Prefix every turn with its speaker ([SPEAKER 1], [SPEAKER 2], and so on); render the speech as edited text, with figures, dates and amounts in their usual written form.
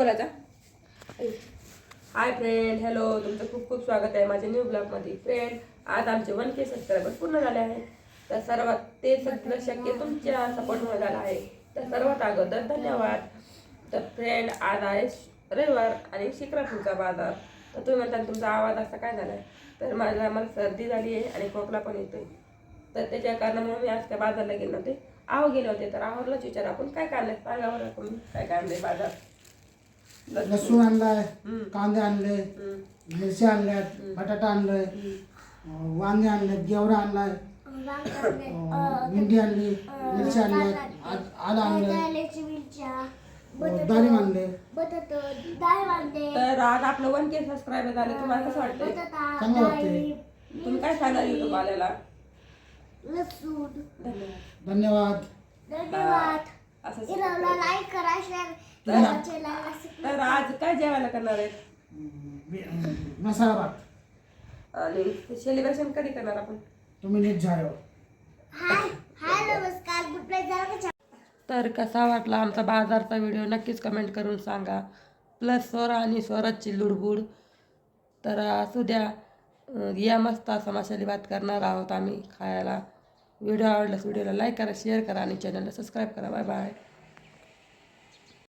[SPEAKER 1] बोलायचा. Hi friend, hello, तुमचं खूप खूप स्वागत आहे माझ्या न्यू ब्लॉगमध्ये. फ्रेंड, आज आमचे 1K सबस्क्रायबर पूर्ण झाले आहेत. तर सर्वात ते सगळं शक्य तुमच्या सपोर्टमुळे झालं आहे. तर सर्वात अगोदर धन्यवाद. तर फ्रेंड, आज आहे रविवार आणि शिक्रापूरचा बाजार. तर तुम्ही म्हणता तुमचा आवाज असा काय झाला आहे, तर मला सर्दी झाली आहे आणि खोकला पण येतोय. तर त्याच्या कारणामुळे मी आज त्या बाजारला गेले नव्हते. गेले होते. तर आवरलाच विचार आपण काय काढलंय सांगा बरं तुम्ही, काय काढलंय बाजार.
[SPEAKER 2] लसूण आणलाय, कांदे आणले, मिरची आणल्यात, बटाटा आणलाय, वांगे आणले, गेवरा आणलाय, भेंडी आणली, मिरची आणल्यात, आलं आणलंय, डाळिंब आणले.
[SPEAKER 1] तर आज आपलं 1K सबस्क्रायबर झाले. तुम्हाला कसं वाटतंय?
[SPEAKER 2] चांगलं वाटतंय.
[SPEAKER 1] तुम्ही काय सांगाल युट्यूब आल्याला?
[SPEAKER 2] धन्यवाद.
[SPEAKER 1] असं
[SPEAKER 3] लाईक करा, शेअर
[SPEAKER 1] तर आज काय जेवायला करणार आहेत?
[SPEAKER 2] मसाला भात.
[SPEAKER 1] आणि सेलिब्रेशन कधी करणार आपण?
[SPEAKER 2] तुम्ही नीट जायो.
[SPEAKER 3] हाय नमस्कार, गुड नाईट झालं का?
[SPEAKER 1] तर कसा वाटला आमचा बाजारचा व्हिडिओ नक्कीच कमेंट करून सांगा. प्लस स्वरा आणि स्वराजची लुडबुड. तर असू द्या, या मस्त असा मसाले भात करणार आहोत आम्ही खायला. व्हिडिओ आवडल्यास व्हिडिओला लाईक करा, शेअर करा आणि चॅनलला सबस्क्राईब करा. Bye bye.